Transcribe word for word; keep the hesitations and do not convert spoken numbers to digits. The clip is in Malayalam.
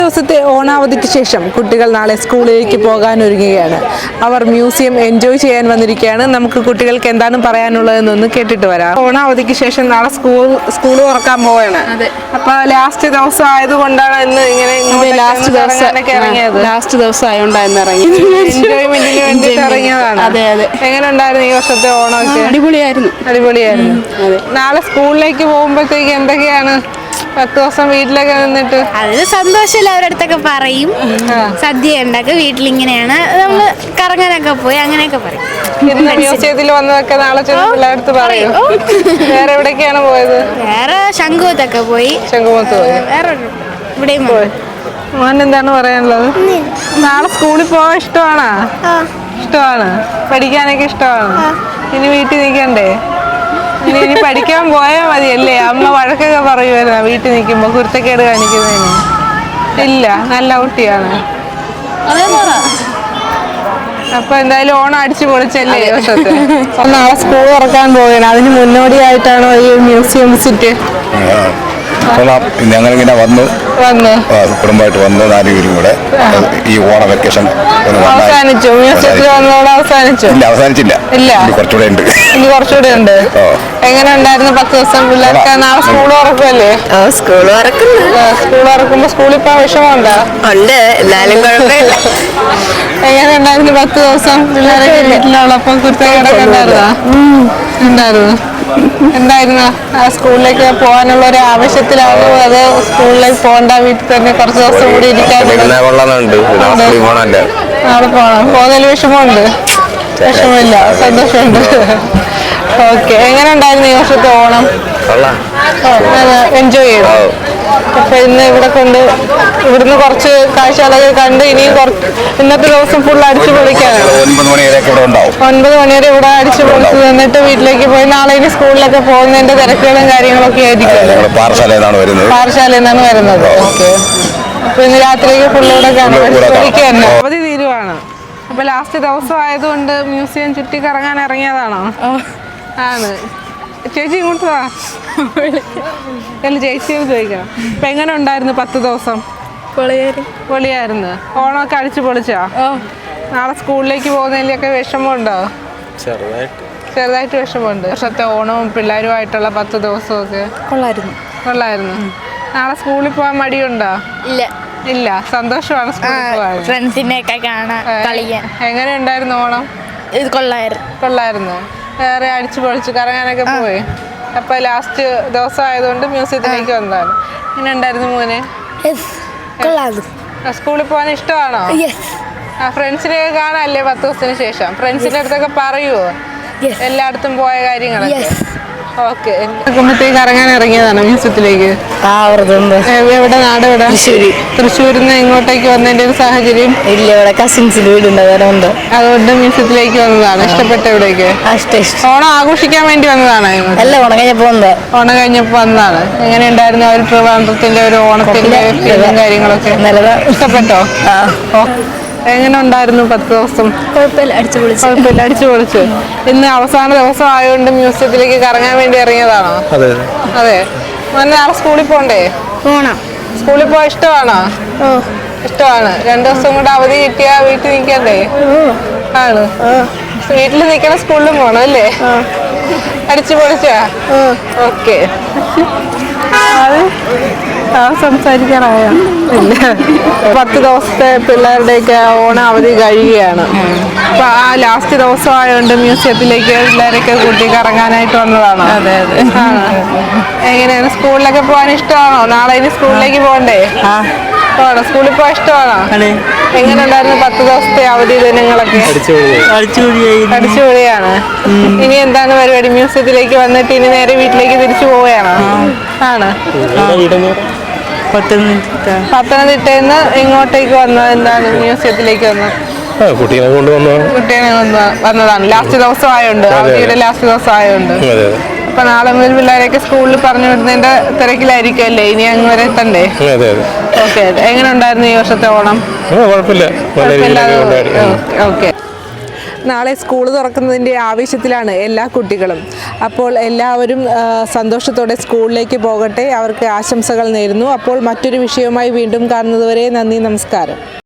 ദിവസത്തെ ഓണാവധിക്ക് ശേഷം കുട്ടികൾ നാളെ സ്കൂളിലേക്ക് പോകാൻ ഒരുങ്ങുകയാണ്. അവർ മ്യൂസിയം എൻജോയ് ചെയ്യാൻ വന്നിരിക്കുകയാണ്. നമുക്ക് കുട്ടികൾക്ക് എന്താണ് പറയാനുള്ളതെന്നൊന്ന് കേട്ടിട്ട് വരാം. ഓണാവധിക്ക് ശേഷം നാളെ സ്കൂൾ സ്കൂൾ തുറക്കാൻ പോവുകയാണ്. അപ്പൊ ലാസ്റ്റ് ദിവസം ആയതുകൊണ്ടാണ് ഇന്ന് ഇങ്ങനെ ലാസ്റ്റ് ദിവസം ഇറങ്ങിയത്. ലാസ്റ്റ് ദിവസം ആയതുകൊണ്ടാണ് ഇറങ്ങി എൻജോയ്മെന്റിന് വേണ്ടിയിട്ട് ഇറങ്ങിയതാണ്. അതെ അതെ. എങ്ങനെ ഉണ്ടായിരുന്നു ഈ വർഷത്തെ ഓണമൊക്കെ? അടിപൊളിയായിരുന്നു അടിപൊളിയായിരുന്നു. നാളെ സ്കൂളിലേക്ക് പോകുമ്പോഴത്തേക്ക് എന്തൊക്കെയാണ് പത്ത് ദിവസം വീട്ടിലൊക്കെ നിന്നിട്ട്? അതിന് സന്തോഷമില്ല, അവരടുത്തൊക്കെ പറയും സദ്യ ഉണ്ടാക്കുക, വീട്ടിലിങ്ങനെയാണ് നമ്മള് കറങ്ങാനൊക്കെ പോയി അങ്ങനെയൊക്കെ പറയും. ഇന്ന് മ്യൂസിയത്തിൽ വന്നതൊക്കെ നാളെ ചെന്ന് പിള്ളേരടുത്ത് പറയും. വേറെ എവിടേക്കാണ് പോയത്? വേറെ ശംഖുമുഖത്തൊക്കെ പോയി. ശംഖുമുഖത്ത് പോയി. വേറെ ഇവിടെയും പോയി. മോൻ എന്താണ് പറയാനുള്ളത്? നാളെ സ്കൂളിൽ പോകാൻ ഇഷ്ടമാണോ? ഇഷ്ടമാണ്. പഠിക്കാനൊക്കെ ഇഷ്ടമാണ്. ഇനി വീട്ടിൽ നിൽക്കണ്ടേ? ഇനി ഇനി പഠിക്കാൻ പോയാൽ മതിയല്ലേ? അമ്മ വഴക്കൊക്കെ പറയുമായിരുന്നു വീട്ടിൽ നിൽക്കുമ്പോ കുരുത്തക്കേട് കാണിക്കുന്നതിന്. ഇല്ല, നല്ല കുട്ടിയാണ്. അപ്പൊ എന്തായാലും ഓണം അടിച്ചു പൊളിച്ചല്ലേ ഈ വർഷത്തെ. നാളെ സ്കൂൾ തുറക്കാൻ പോവുകയാണ്. അതിന് മുന്നോടിയായിട്ടാണോ ഈ മ്യൂസിയം വിസിറ്റ്? ഞങ്ങളിങ്ങനെ വന്നു വന്നു കുടുംബമായിട്ട് വന്നു നാല് പേരും കൂടെ ഈ ഓണ വെക്കേഷൻ അവസാനിച്ചു. മ്യൂസിയത്തിൽ വന്നതോടെ അവസാനിച്ചു? ഇല്ല, അവസാനിച്ചില്ല. ഇല്ല, കുറച്ചുകൂടെ ഉണ്ട്. ഇനി കുറച്ചുകൂടെ ഉണ്ട്. എങ്ങനെ ഉണ്ടായിരുന്നു പത്ത് ദിവസം? പിള്ളേർക്ക് നാളെ സ്കൂൾ തുറക്കുമല്ലേ? സ്കൂൾ തുറക്കുന്നു. സ്കൂൾ തുറക്കുമ്പോ സ്കൂളിൽ പോകാൻ വിഷമമുണ്ടോ? ഉണ്ട്, എന്നാലും കുഴപ്പമില്ല. എങ്ങനെ ഉണ്ടായിരുന്നു പത്ത് ദിവസം? പിള്ളേരൊക്കെ വീട്ടിലുള്ളപ്പോ കുരുത്തക്കേടൊക്കെ ഉണ്ടായിരുന്നോ? ഉണ്ടായിരുന്നു. എന്തായിരുന്നു സ്കൂളിലേക്ക് പോകാനുള്ള ഒരു ആവശ്യത്തിലാണോ അത് സ്കൂളിലേക്ക് പോകണ്ട വീട്ടിൽ തന്നെ കുറച്ച് ദിവസം കൂടി ഇരിക്കാൻ? നാളെ പോകണം. പോകുന്നതിൽ വിഷമമുണ്ട്? വിഷമില്ല, സന്തോഷമുണ്ട്. ഓക്കെ. എങ്ങനെ ഉണ്ടായിരുന്നു ഈ വർഷത്തെ ഓണം? എൻജോയ് ചെയ്തു. അപ്പൊ ഇന്ന് ഇവിടെ കൊണ്ട് ഇവിടുന്ന് കുറച്ച് കാഴ്ചകളൊക്കെ കണ്ട് ഇനിയും ഇന്നത്തെ ദിവസം ഫുൾ അടിച്ചു പൊളിക്കാനാണ്. ഒൻപത് മണി വരെ ഇവിടെ അടിച്ചു പൊളിച്ച് നിന്നിട്ട് വീട്ടിലേക്ക് പോയി നാളെ ഇനി സ്കൂളിലൊക്കെ പോകുന്നതിന്റെ തിരക്കുകളും കാര്യങ്ങളൊക്കെ ആയിരിക്കും. പാറശാലയിൽ നിന്നാണ് വരുന്നത്. ഓക്കെ. അപ്പൊ ഇന്ന് രാത്രിക്ക് ഫുള്ള് ഇവിടെ കാണാൻ അവധി തീരുവാണ്. അപ്പൊ ലാസ്റ്റ് ദിവസം ആയതുകൊണ്ട് മ്യൂസിയം ചുറ്റി കറങ്ങാൻ ഇറങ്ങിയതാണോ? ആണ്. ചേച്ചി ഇങ്ങോട്ട് വാ. അല്ല, ചേച്ചിയോട് ചോദിക്കണം. അപ്പൊ എങ്ങനെ ഉണ്ടായിരുന്നു പത്ത് ദിവസം? പൊളിയായിരുന്നു. ഓണമൊക്കെ അടിച്ചു പൊളിച്ചോ? നാളെ സ്കൂളിലേക്ക് പോകുന്നതിലൊക്കെ വിഷമമുണ്ടോ? ചെറുതായിട്ട് വിഷമമുണ്ട്. വർഷത്തെ ഓണവും പിള്ളേരുമായിട്ടുള്ള പത്ത് ദിവസമൊക്കെ കൊള്ളായിരുന്നു. കൊള്ളായിരുന്നു. നാളെ സ്കൂളിൽ പോകാൻ മടിയുണ്ടോ? ഇല്ല ഇല്ല, സന്തോഷമാണ് സ്കൂളിൽ പോകാൻ. ഫ്രണ്ട്സിനെയൊക്കെ കാണാൻ, കളിക്കാൻ. എങ്ങനെ ഉണ്ടായിരുന്നു ഓണം? ഇത് കൊള്ളായിരുന്നു. കൊള്ളായിരുന്നു. വേറെ അടിച്ചു പൊളിച്ചു കറങ്ങാനൊക്കെ പോയി. അപ്പൊ ലാസ്റ്റ് ദിവസം ആയതുകൊണ്ട് മ്യൂസിയത്തിലേക്ക് വന്നതാണ്. എങ്ങനെ ഉണ്ടായിരുന്നു മോനെ? സ്കൂളിൽ പോകാൻ ഇഷ്ടമാണോ? ഫ്രണ്ട്സിനെയൊക്കെ കാണാനല്ലേ പത്ത് ദിവസത്തിന് ശേഷം? ഫ്രണ്ട്സിന്റെ അടുത്തൊക്കെ പറയുവോ എല്ലായിടത്തും പോയ കാര്യങ്ങളൊക്കെ? ഓക്കെ. കുമ്പത്തേക്ക് ഇറങ്ങാൻ ഇറങ്ങിയതാണ് മ്യൂസിയത്തിലേക്ക്. എവിടെ? നാട് എവിടെ? തൃശ്ശൂര്. തൃശ്ശൂരിൽ നിന്ന് ഇങ്ങോട്ടേക്ക് വന്നതിന്റെ ഒരു സാഹചര്യം? ഇല്ല, ഇവിടെ കസിൻസിന്റെ വീടുണ്ട്, അതുകൊണ്ട് അതുകൊണ്ട് മ്യൂസിയത്തിലേക്ക് വന്നതാണ്. ഇഷ്ടപ്പെട്ട എവിടേക്ക്? ഓണം ആഘോഷിക്കാൻ വേണ്ടി വന്നതാണ്? അല്ല, ഓണം കഴിഞ്ഞപ്പോ വന്നത്. ഓണം കഴിഞ്ഞപ്പോ വന്നതാണ്. എങ്ങനെ ഉണ്ടായിരുന്നു ഒരു ട്രിവാൻഡ്രത്തിന്റെ ഒരു ഓണത്തിന്റെ കാര്യങ്ങളൊക്കെ? ഇഷ്ടപ്പെട്ടോ? എങ്ങനെ ഉണ്ടായിരുന്നു പത്ത് ദിവസം? കുഴപ്പമില്ല, അടിച്ചു പൊളിച്ചു. കുഴപ്പമില്ല, അടിച്ചു പൊളിച്ചു. ഇന്ന് അവസാന ദിവസം ആയതുകൊണ്ട് മ്യൂസിയത്തിലേക്ക് കറങ്ങാൻ വേണ്ടി ഇറങ്ങിയതാണോ? അതെ. നാളെ സ്കൂളിൽ പോണ്ടേ? പോണം. സ്കൂളിൽ പോവാൻ ഇഷ്ടമാണോ? ഇഷ്ടമാണ്. രണ്ടു ദിവസം കൂടെ അവധി കിട്ടിയാ വീട്ടിൽ നിൽക്കണ്ടേ? ആണ്. വീട്ടിൽ നിൽക്കണം, സ്കൂളിലും പോണം അല്ലേ? അടിച്ചു പൊളിച്ചാ? ഓക്കെ. ആ സംസാരിക്കാനായോ? ഇല്ല. പത്ത് ദിവസത്തെ പിള്ളേരുടെയൊക്കെ ഓണം അവധി കഴിയുകയാണ്. അപ്പൊ ആ ലാസ്റ്റ് ദിവസം ആയതുകൊണ്ട് മ്യൂസിയത്തിലേക്ക് പിള്ളേരൊക്കെ കൂട്ടി കറങ്ങാനായിട്ട് വന്നതാണോ? അതെ അതെ. എങ്ങനെയാണ് സ്കൂളിലൊക്കെ പോകാൻ ഇഷ്ടമാണോ? നാളെ ഇനി സ്കൂളിലേക്ക് പോകണ്ടേ? പോകണം. സ്കൂളിൽ പോകാൻ ഇഷ്ടമാണോ? എങ്ങനെ ഉണ്ടായിരുന്നു പത്ത് ദിവസത്തെ അവധി ദിനങ്ങളൊക്കെ? അടിച്ചുപൊളിയാണ്. ഇനി എന്താണ് പരിപാടി? മ്യൂസിയത്തിലേക്ക് വന്നിട്ട് ഇനി നേരെ വീട്ടിലേക്ക് തിരിച്ചു പോവുകയാണോ? ആണ്. പത്തനംതിട്ടയിൽ നിന്ന് ഇങ്ങോട്ടേക്ക് വന്നത് എന്താണ്? മ്യൂസിയത്തിലേക്ക് വന്നത് കുട്ടീനെ കൊണ്ടുവന്നു. കുട്ടീനെ വന്നതാണ്. ലാസ്റ്റ് ദിവസം ആയോണ്ട്, അവധിയുടെ ലാസ്റ്റ് ദിവസം ആയോണ്ട്. അപ്പൊ നാളെ മുതൽ പിള്ളേരൊക്കെ സ്കൂളിൽ പറഞ്ഞു വിടുന്നതിന്റെ തിരക്കിലായിരിക്കും അല്ലേ? ഇനി അങ്ങ് വരെ എത്തണ്ടേ? ഓക്കെ. എങ്ങനെ ഉണ്ടായിരുന്നു ഈ വർഷത്തെ ഓണം? കുഴപ്പമില്ല. ഓക്കെ. നാളെ സ്കൂൾ തുറക്കുന്നതിൻ്റെ ആവേശത്തിലാണ് എല്ലാ കുട്ടികളും. അപ്പോൾ എല്ലാവരും ആ, സന്തോഷത്തോടെ സ്കൂളിലേക്ക് പോകട്ടെ. അവർക്ക് ആശംസകൾ നേരുന്നു. അപ്പോൾ മറ്റൊരു വിഷയവുമായി വീണ്ടും കാണുന്നതുവരെ നന്ദി, നമസ്കാരം.